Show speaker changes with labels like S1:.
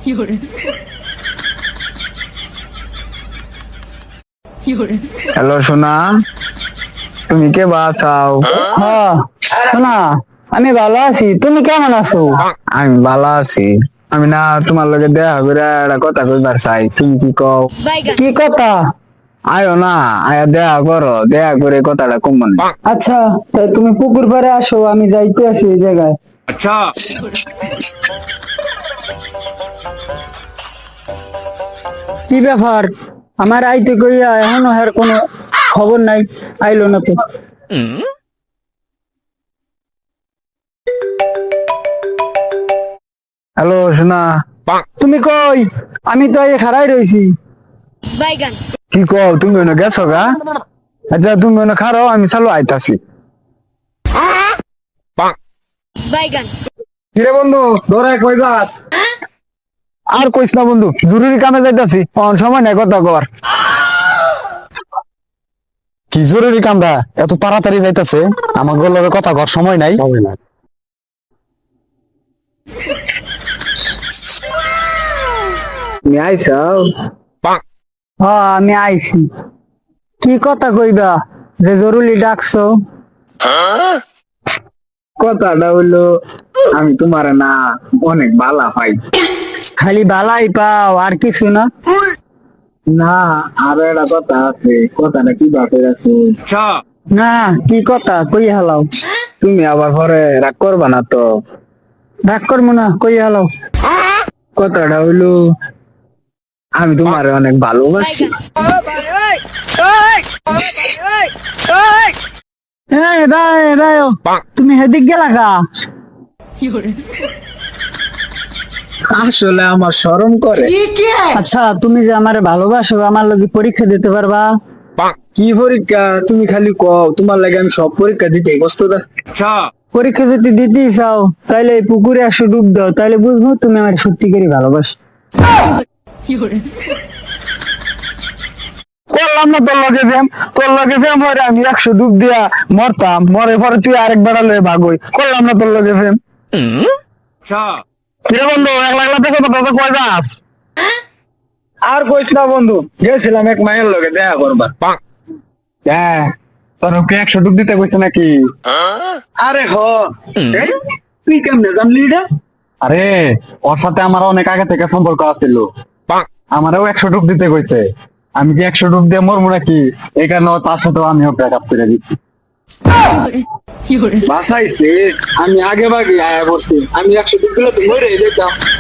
S1: Hello সোনা, তুমি কে বাসাও?
S2: হ্যাঁ শোনা, আমি ভালো আছি, তুমি কেমন আছো?
S1: আমি ভালো আছি। আমি না তোমার লগে দেখা করে একটা কথা কইবার চাই, তুমি কি কও?
S2: কি কথা?
S1: আয়ো না, আয়া দেখা করো, দেখা করে কথাটা কম মনে।
S2: আচ্ছা, তাই তুমি পুকুর পাড়ে আসো, আমি যাইতে আছি এই জায়গায়। কি ব্যাপার, আমার আইতে কইয়া এখনো হের কোনো খবর নাই, আইলো না তো।
S1: হ্যালো সোনা,
S2: তুমি কই? আমি তো এই খাড়াই রইছি।
S1: কি কও, তুমি ওখানে গেছো গা? আচ্ছা তুমি ওখানে খারো, আমি চালু আইতাছি। কিরে বন্ধু, ধরে কই যাস? আর কইস না বন্ধু, জরুরি কামে যাইতাছি, অন সময় নাই কথা কর।
S3: কি জরুরি কামরা এত তাড়াতাড়ি যাইতেছে? আমার লগে কথা কর সময় নাই।
S1: তুমি আইসাও?
S2: হ্যাঁ আমি আইছি। কি কথা কইবা যে জরুরি ডাকছো?
S1: কথাটা হইলো, আমি তোমার না অনেক ভালো পাই।
S2: খালি বালাই পাও আর কিছু না?
S1: না, আরো একটা কথা আছে, কথাটা কি বাপে আছে?
S2: না, কি কথা কই হালাও?
S1: তুমি আবার পরে রাগ করবা না তো?
S2: রাগ করবো না, কই হালাও।
S1: কথাটা হইলো, আমি তোমার অনেক ভালোবাসি।
S2: এই ভাই ভাই, তুমি হেদিক গেলা গা?
S1: আসলে আমার শরম করে।
S2: আচ্ছা, তুমি যে আমারে ভালোবাসো, আমার লগে পরীক্ষা দিতে পারবা?
S1: কি পরীক্ষা? তুমি খালি কও, তোমার লাগে আমি সব পরীক্ষা দিতে প্রস্তুত।
S2: পরীক্ষা যদি দিতেই চাও তাইলে এই পুকুরে একশো ডুব দাও, তাইলে বুঝবো তুমি আমার সত্যি করে ভালোবাসো।
S1: করলাম না তোর লগে ফেম, তোর লগে ফেম হরে আমি 100 ডুব দিয়া মরতাম, মরে পরে তুই আরেকবার লয়ে ভাগই। করলাম না তোর লগে ফেম। কিরে বন্ধু, একলা একলা দেখো তো কয় যাস? আর কইস না বন্ধু, গেছিলাম এক মায়ের লগে দেখা করবার। হ্যাঁ, তোর ওকে 100 ডুব দিতে কইছে নাকি? আরে হ, এই, তুই কেমনে জানলি এটা?
S3: আরে ওর সাথে আমার অনেক আগে থেকে সম্পর্ক আছিল, আমারও 100 ডুব দিতে কইছে। আমি কি 100 ডুব দিয়ে মরবো নাকি? এই কারণে তার সাথেও আমিও ব্রেকআপ করে দিচ্ছি।
S1: বাসাইছে, আমি আগে ভাগে আয়া বসছি, আমি 100 ডুব দিলে তো মরে যেতাম।